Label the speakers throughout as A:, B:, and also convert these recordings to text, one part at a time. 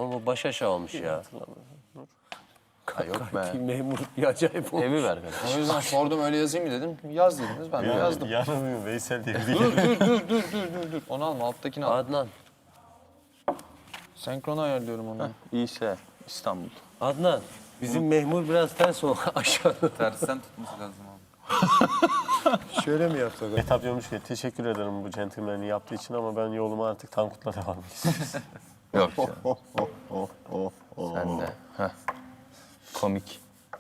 A: Ama bu baş aşağı olmuş ya.
B: Ha, yok be.
A: Memur bir acayip olmuş.
B: Evi ver kardeşim.
C: O yüzden sordum öyle yazayım mı dedim. Yaz dediniz ben de yazdım.
D: Yanılmıyor Veysel diye.
C: Dur. Onu alma alttakini al.
A: Adnan.
C: Senkronu ayarlıyorum onu.
B: İyiyse İstanbul.
A: Adnan. Bizim memur biraz ters o aşağıda.
E: Tersten tutması lazım abi.
D: Şöyle mi yapsak? Etap diyormuş ki teşekkür ederim bu centilmen'i yaptığı için ama ben yoluma artık Tankut'la devam edeceğim.
B: Yok canım. Sen de. Heh. Komik.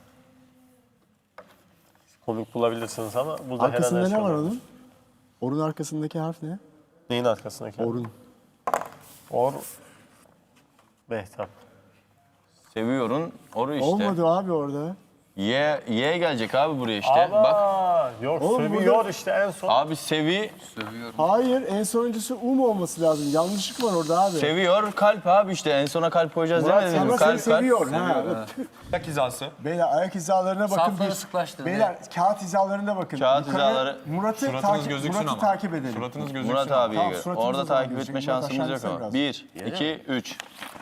D: Komik bulabilirsiniz ama burada
F: Arkasında
D: her an her
F: ne
D: şey
F: var
D: olabilir.
F: onun? Orun arkasındaki harf ne?
D: Neyin arkasındaki?
F: Orun.
D: Or. Mehtap.
B: Seviyorsun. Oru işte.
F: Olmadı abi orada.
B: Ye gelecek abi buraya işte. Bak.
D: Aa, yok
F: Oğlum
D: sövüyor
F: burada-
D: işte en son.
B: Abi sevi,
E: Sövüyorum.
F: Hayır, en sonuncusu mu olması lazım? Yanlışlık var orada abi.
B: seviyor kalp abi işte. En sona kalp koyacağız
F: Murat
B: demedim mi?
F: ama seni
B: Kalp,
F: seviyor. Ha.
E: Ayak hizası.
F: Beyler ayak hizalarına bakın.
A: Safları sıklaştır.
F: Beyler kağıt hizalarına bakın.
B: Kağıt
F: Yukarı
B: hizaları-
F: Murat'ı takip edelim.
E: Suratınız gözüksün
B: Murat
E: ama.
B: abiye
F: Tamam,
B: göre.
F: suratımıza
B: Orada
F: zaman
B: takip
F: geçecek.
B: etme
F: Murat
B: şansımız yok
F: aşağı
B: ama.
F: gitsene
B: 1, 2, 3.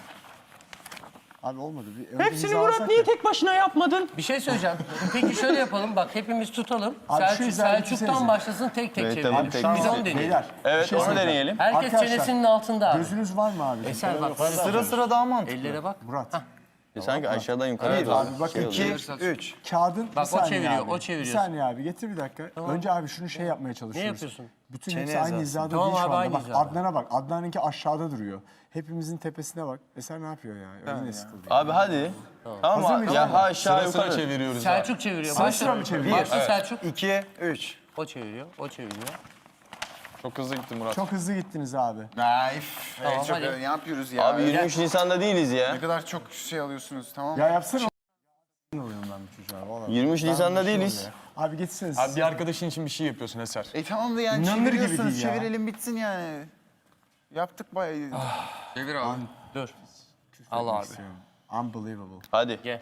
F: Abi olmadı. Bir önce
B: Hepsini
F: hiza
B: Murat
F: alsak
B: niye
F: ya.
B: tek başına yapmadın?
A: Bir şey söyleyeceğim. Peki şöyle yapalım. Bak hepimiz tutalım.
F: Abi şu hizayı
A: Selçuk'tan
F: bitirsenize.
A: başlasın tek tek
B: Evet,
A: çevirelim.
B: tamam, tek
A: Biz
B: tek.
A: onu deneyelim.
F: Beyler.
B: Evet,
F: bir şey
B: onu
F: söyleyeceğim.
B: deneyelim.
A: Herkes
F: Arkadaşlar,
A: çenesinin altında abi.
F: Gözünüz var mı abi?
A: Eser bak.
C: Sıra sıra daha mantıklı.
A: Ellere bak.
F: Murat.
B: Sanki aşağıdan yukarıya doğru.
F: Abi bakın
B: oluyor.
C: 3.
F: kağıdın
A: Bak,
F: bir saniye
A: o çeviriyor,
F: abi.
A: o çeviriyor.
F: Bir saniye abi getir bir dakika. Önce abi şunu şey yapmaya çalışıyoruz.
A: Ne yapıyorsun?
F: Bütün hepsi aynı hizada
A: Tamam
F: değil şu
A: abi,
F: anda.
A: aynı
F: Bak
A: hizada.
F: Adnan'a bak. Adnan'ınki aşağıda duruyor. Hepimizin tepesine bak. Eser ne yapıyor ya? Öyle sıkıldı.
B: Abi hadi. Tamam
F: Hazır
B: mı?
F: mıyız
B: Ya
F: abi?
B: ha aşağı
E: Sıra sıra
B: yukarı.
E: çeviriyoruz.
A: Selçuk çeviriyor.
F: Sıra
A: Başla.
F: sıra mı çeviriyor?
A: Başla Selçuk.
C: 2, 3.
A: O çeviriyor, o çeviriyor.
E: Çok hızlı gitti Murat.
F: Çok hızlı gittiniz abi.
G: Naif.
A: Tamam,
G: Çok
A: hadi.
G: ne yapıyoruz ya?
B: Abi 23 Nisan'da değiliz ya.
G: Ne kadar çok şey alıyorsunuz tamam mı?
F: Ya yapsana. Oluyorum ben bu çocuğa. Vallahi.
B: 23 Nisan'da
F: Bir şey
B: değiliz.
F: oluyor ya. Abi geçseniz.
E: Abi bir arkadaşın için bir şey yapıyorsun Eser.
G: Tamam da yani
F: İnanılır gibi
G: çeviriyorsunuz,
F: değil ya.
G: çevirelim bitsin yani. Yaptık bayağı.
E: Çevir abi.
A: Dur. Al abi.
F: Unbelievable.
B: Hadi.
A: Gel.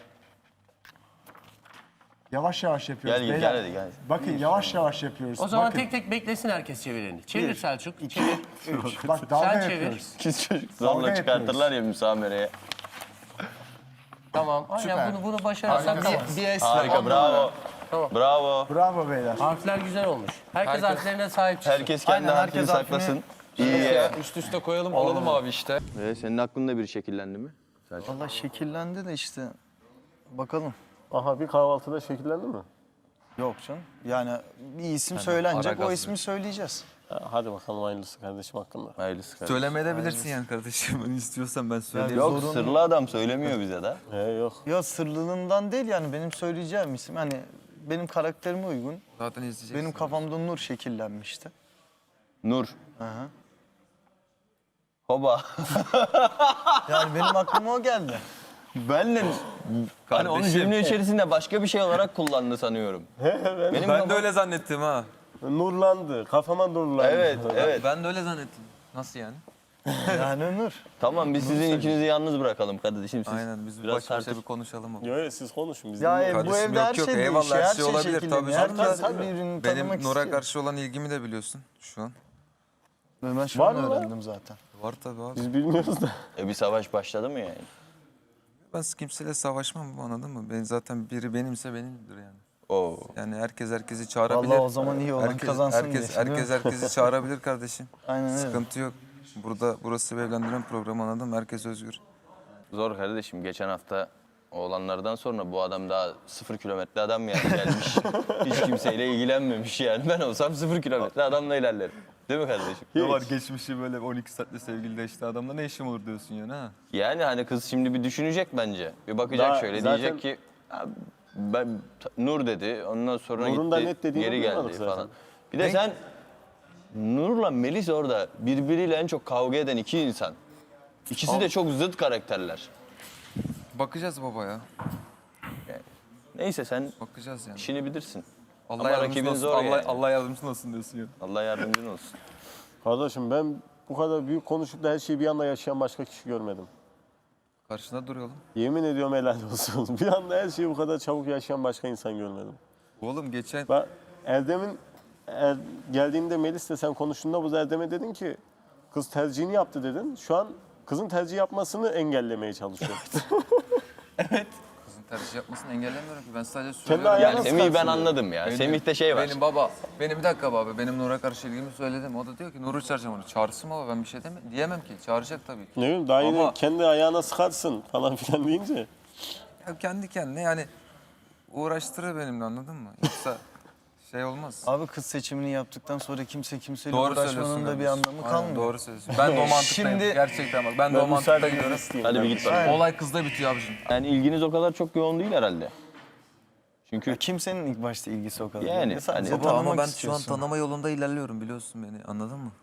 F: Yavaş yavaş yapıyoruz.
B: Gel
F: beyler.
B: hadi gel.
F: Bakın yavaş yavaş yapıyoruz.
A: O zaman
F: Bakın.
A: tek tek beklesin herkes çevireni. Çevir Selçuk. Çevir.
F: Bak dalga
A: Sen çevir.
F: yapıyoruz.
B: Kız çocuk
F: Dalga
B: zorla çıkartırlar ya müsamereye.
A: Tamam. Aynen bunu başarırsak tamam.
C: Bir es
B: Harika bravo.
A: Tamam.
B: Bravo.
F: Bravo beyler.
A: Harfler güzel olmuş. Herkes harflerine sahip çıksın.
B: Herkes kendi
C: Aynen,
B: harfini
C: herkes harfini-
B: saklasın. İyi ya.
E: Üst üste koyalım alalım abi işte.
B: Senin aklında biri şekillendi mi?
C: Valla şekillendi de işte. Bakalım.
D: Aha bir kahvaltıda şekillendi mi?
C: Yok canım. Yani bir isim söylenecek,
E: ara
C: o
E: gaz
C: ismi söyleyeceğiz.
D: Ha, hadi bakalım hayırlısı kardeşim hakkında.
B: Hayırlısı kardeşim.
H: Söylemeyebilirsin yani kardeşim. Onu istiyorsan ben söyleyeyim.
B: Yok sırlı adam söylemiyor bize de.
D: Yok.
C: Ya sırlılığından değil yani benim söyleyeceğim isim. Hani benim karakterime uygun.
H: Zaten izleyeceksin.
C: Benim kafamda Nur şekillenmişti.
B: Nur.
C: Hı hı.
B: Hoba.
C: Yani benim aklıma o geldi.
B: Benle hani onu cümle içerisinde başka bir şey olarak kullandı sanıyorum. Benim
H: Ben de öyle zannettim ha.
D: Nurlandı. Kafama nurlandı.
B: Evet, evet.
H: Ben de öyle zannettim. Nasıl yani?
C: Yani Nur.
B: Tamam biz sizin ikinizi yalnız bırakalım kardeşim. Siz
H: Aynen biz
B: biraz
H: baş başa
B: tartış-
H: bir konuşalım. Ama.
D: Yok siz konuşun biz
C: Ya
D: dinliyoruz.
C: bu
H: Kardeşim
C: evde her
H: yok,
C: şey
H: eyvallah,
C: değişiyor,
H: her şey olabilir,
C: şekilleniyor.
H: tabii
C: Herkes
D: canım.
C: birbirini
H: Benim
C: tanımak
H: Nur'a
C: istiyor.
H: karşı olan ilgimi de biliyorsun şu an.
C: Ben şu
D: Var
C: an
D: mı lan?
C: öğrendim zaten.
H: Var tabii abi.
D: Biz bilmiyoruz da.
B: Bir savaş başladı mı yani?
H: Ben kimseyle savaşmam anladın mı? Ben zaten biri benimse benimdir yani.
B: Oo.
H: Yani herkes herkesi çağırabilir.
C: Vallahi o zaman iyi olan kazansın
H: herkes,
C: diye.
H: herkes herkesi çağırabilir kardeşim.
C: Aynen öyle.
H: Sıkıntı yok. Burası bir evlendiren program anladım. Herkes özgür.
B: Zor kardeşim. Geçen hafta olanlardan sonra bu adam daha 0 kilometre adam yani gelmiş. Hiç kimseyle ilgilenmemiş yani. Ben olsam 0 kilometre adamla ilerlerim. Değil mi kardeşim?
H: Ne var geçmişi böyle 12 saatte sevgiliyle işte adamla ne işim olur diyorsun yani ha?
B: Yani hani kız şimdi bir düşünecek bence. Bir bakacak
D: Daha
B: şöyle
D: zaten-
B: diyecek ki "Abi ben Nur dedi. Ondan sonra
D: Nur'un da
B: gitti
D: net dediğini
B: geri
D: duymadık
B: geldi
D: zaten.
B: falan. Bir de sen Nur'la Melis orada birbiriyle en çok kavga eden iki insan. İkisi de çok zıt karakterler.
H: Bakacağız baba ya.
B: Neyse sen
H: Bakacağız yani.
B: işini bilirsin.
H: Allah
B: Ama
H: yardımcın
B: rakibin
H: olsun.
B: zor yani.
H: Allah yardımcın olsun diyorsun ya.
B: Allah yardımcın olsun.
D: Kardeşim ben bu kadar büyük konuşup da her şeyi bir anda yaşayan başka kişi görmedim.
H: Karşında dur oğlum.
D: Yemin ediyorum helal olsun. Bir anda her şeyi bu kadar çabuk yaşayan başka insan görmedim.
H: Oğlum geçen
D: Bak Erdem'in geldiğinde Melis'le sen konuştuğunda bu Erdem'e dedin ki kız tercihini yaptı dedin. Şu an Kızın tercih yapmasını engellemeye çalışıyor.
H: Kızın tercih yapmasını engellemiyorum ki. Ben sadece
D: Kendi
H: söylüyorum.
D: ayağına
B: Yani Semih'i ben
D: sıkarsın
B: anladım ya.
H: Benim-
B: Semih'te şey var.
H: Benim bir dakika baba. Benim Nur'a karşı ilgimi söyledim. O da diyor ki Nur'u çağıracağım onu. Çağırsın baba, ben bir şey diyemem ki. Çağıracak tabii ki.
D: Ne bileyim daha yine
H: Ama-
D: kendi ayağına sıkarsın falan filan deyince.
H: Ya kendi kendine yani uğraştırır benimle, anladın mı? Yoksa şey olmaz.
C: Abi kız seçimini yaptıktan sonra kimseyle
H: Doğru
C: uğraşmanın
H: söylüyorsun.
C: da bir
H: kardeşim.
C: anlamı
H: Aynen,
C: kalmıyor.
H: doğru söylüyorsun. Ben de o mantıktayım.
C: Şimdi-
H: Gerçekten bak, ben de o
D: Ben
H: mantıkta
D: müsaade
H: gidiyorum.
D: isteyeyim.
B: Hadi bir
D: Ben
B: git
D: müsaade-
B: bakalım.
H: Olay kızda bitiyor abicim.
B: Yani ilginiz o kadar çok yoğun değil herhalde. Çünkü
C: Ya kimsenin ilk başta ilgisi o kadar.
B: Yani,
C: değil. Sadece
B: hani-
H: Baba ama
C: tanımak
H: ben şu an
C: istiyorsun.
H: tanıma yolunda ilerliyorum, biliyorsun beni, anladın mı?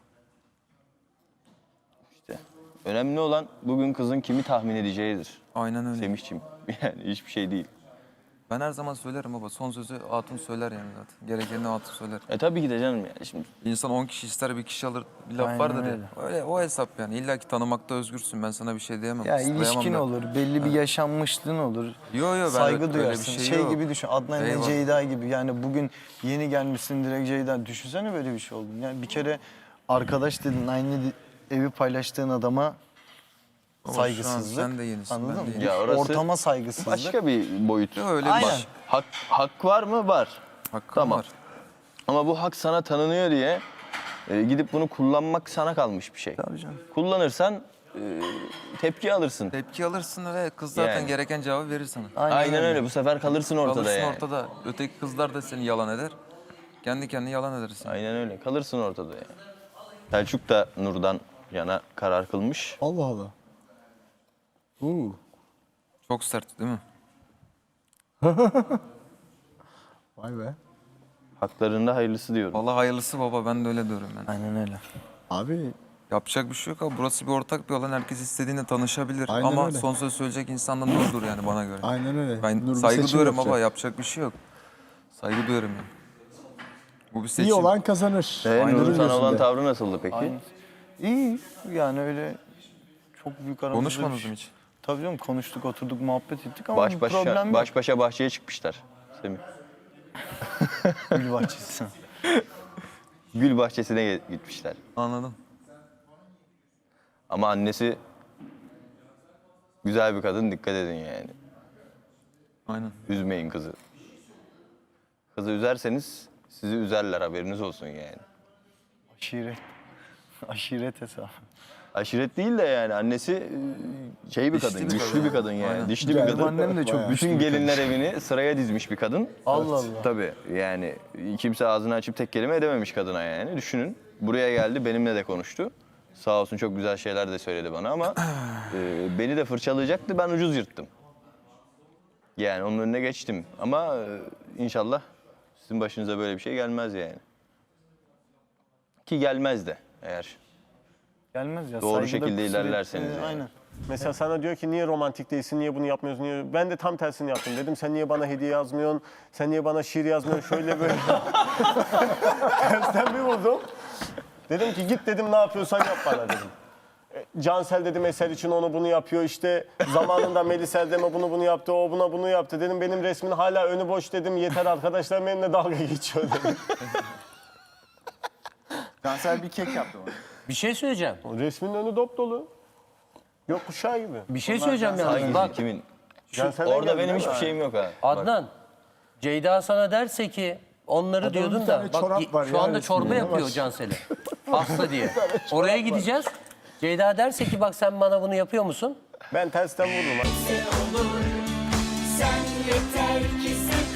B: işte önemli olan bugün kızın kimi tahmin edeceğidir.
H: Aynen öyle.
B: Semih'ciğim. Yani hiçbir şey değil.
H: Ben her zaman söylerim baba. Son sözü hatun söyler yani zaten. Gerekenini hatun söyler.
B: Tabii ki de canım yani şimdi.
H: İnsan 10 kişi ister, bir kişi alır, bir laf
C: Aynen
H: vardır ya.
C: öyle.
H: Öyle o hesap yani. İlla ki tanımakta özgürsün. Ben sana bir şey diyemem.
C: Ya
H: ıslıklayamam
C: ilişkin
H: da.
C: olur, belli bir yaşanmışlığın olur.
H: Yo yo, ben
C: Saygı
H: öyle bir
C: duyarsın. Şey
H: yok.
C: gibi düşün, Adnan ile
H: Eyvallah.
C: Ceyda gibi. Yani bugün yeni gelmişsin direkt Ceyda. Düşünsene böyle bir şey oldu. Yani bir kere arkadaş dedin, aynı evi paylaştığın adama
H: Baba şu an
C: saygısızlık.
H: sen de yenisin,
C: Anladın
H: ben de
C: mı?
H: yeniyim.
B: Ya orası
C: Ortama saygısızlık.
B: Başka bir boyut.
H: Yo, öyle bir
C: Aynen.
H: şey.
B: Hak var mı? Var.
H: Hakkım
B: Tamam.
H: var.
B: Ama bu hak sana tanınıyor diye gidip bunu kullanmak sana kalmış bir şey.
C: Tabii canım.
B: Kullanırsan tepki alırsın.
H: Tepki alırsın ve kız zaten
B: Yani.
H: gereken cevabı verir sana.
B: Aynen öyle. Bu sefer kalırsın ortada
H: Kalırsın
B: yani.
H: ortada. Öteki kızlar da seni yalan eder. Kendi kendine yalan edersin.
B: Aynen öyle. Kalırsın ortada yani. Selçuk da Nur'dan yana karar kılmış.
F: Allah Allah.
H: Çok sert değil mi?
F: Vay be.
B: Haklarında hayırlısı diyorum.
H: Vallahi hayırlısı baba, ben de öyle diyorum yani.
C: Aynen öyle.
F: Abi
H: Yapacak bir şey yok abi. Burası bir ortak bir alan. Herkes istediğine tanışabilir.
F: Aynen
H: Ama
F: öyle.
H: son söz söyleyecek insan da Nur'dur yani bana göre.
F: aynen öyle.
H: Ben
F: Nur bir
H: saygı
F: seçim
H: duyuyorum
F: yapacak.
H: baba. Yapacak bir şey yok. Saygı duyuyorum yani. Bu bir seçim.
F: İyi olan kazanır.
B: Nur'un
F: Nur'un
B: sana olan
F: gözünde.
B: tavrı nasıldı peki?
C: Aynen. İyi yani öyle çok büyük aramızda
H: Konuşmadınız
C: bir şey-
H: mı hiç?
C: Tabii canım, konuştuk, oturduk, muhabbet ettik ama bir
B: Baş
C: problem yok.
B: başa bahçeye çıkmışlar. Semih.
C: Gül bahçesi.
B: Gül bahçesine gitmişler.
H: Anladım.
B: Ama annesi güzel bir kadın, dikkat edin yani.
H: Aynen.
B: Üzmeyin kızı. Kızı üzerseniz sizi üzerler, haberiniz olsun yani.
C: Aşiret. Aşiret hesabı.
B: Aşiret değil de yani annesi şey bir
H: Dişli
B: kadın,
H: bir
B: güçlü
H: kadın.
B: bir kadın yani.
H: Aynen.
B: Dişli bir
C: Benim
B: kadın.
C: annem de çok
F: Bayağı.
C: güçlü
B: Bütün
C: bir kadın.
B: gelinler evini sıraya dizmiş bir kadın.
C: Allah Allah.
B: Tabii yani kimse ağzını açıp tek kelime edememiş kadına yani. Düşünün, buraya geldi, benimle de konuştu. Sağ olsun, çok güzel şeyler de söyledi bana ama beni de fırçalayacaktı, ben ucuz yırttım. Yani onun önüne geçtim ama inşallah sizin başınıza böyle bir şey gelmez yani. Ki gelmez de eğer.
C: Gelmez ya.
B: Doğru
C: saygıda
B: şekilde
C: kusur
B: ilerlerseniz
C: etme,
B: yani.
C: Aynen.
D: Mesela sana diyor ki niye romantik değilsin, niye bunu yapmıyorsun, niye... Ben de tam tersini yaptım. Dedim sen niye bana hediye yazmıyorsun, sen niye bana şiir yazmıyorsun, şöyle böyle. Tersten bir vurdum. Dedim ki git dedim, ne yapıyorsan yap bana dedim. Cansel dedim eser için onu bunu yapıyor işte. Zamanında Melis Erdem'e bunu yaptı, o buna bunu yaptı. Dedim benim resmin hala önü boş dedim. Yeter arkadaşlar benimle dalga geçiyor dedim.
G: Cansel bir kek yaptı bana.
A: Bir şey söyleyeceğim.
D: O resmin önü dop dolu. Yok kuşağı gibi.
A: Bir şey söyleyeceğim yalnız.
B: Hangisi,
A: Bak
B: kimin?
D: Cansel'den
B: Orada
D: geldi
B: benim
D: değil
B: hiçbir
D: mi?
B: şeyim yok ha. Bak.
A: Adnan, Ceyda sana derse ki onları diyordun
F: bir
A: da
F: tane
A: bak
F: çorap var
A: şu
F: ya
A: anda
F: resminde,
A: çorba
F: ne
A: yapıyor
F: var?
A: Cansel'e. Hasta diye. Oraya gideceğiz. Ceyda derse ki bak sen bana bunu yapıyor musun?
D: Ben tersten vurdum.
I: Sen yeter ki sen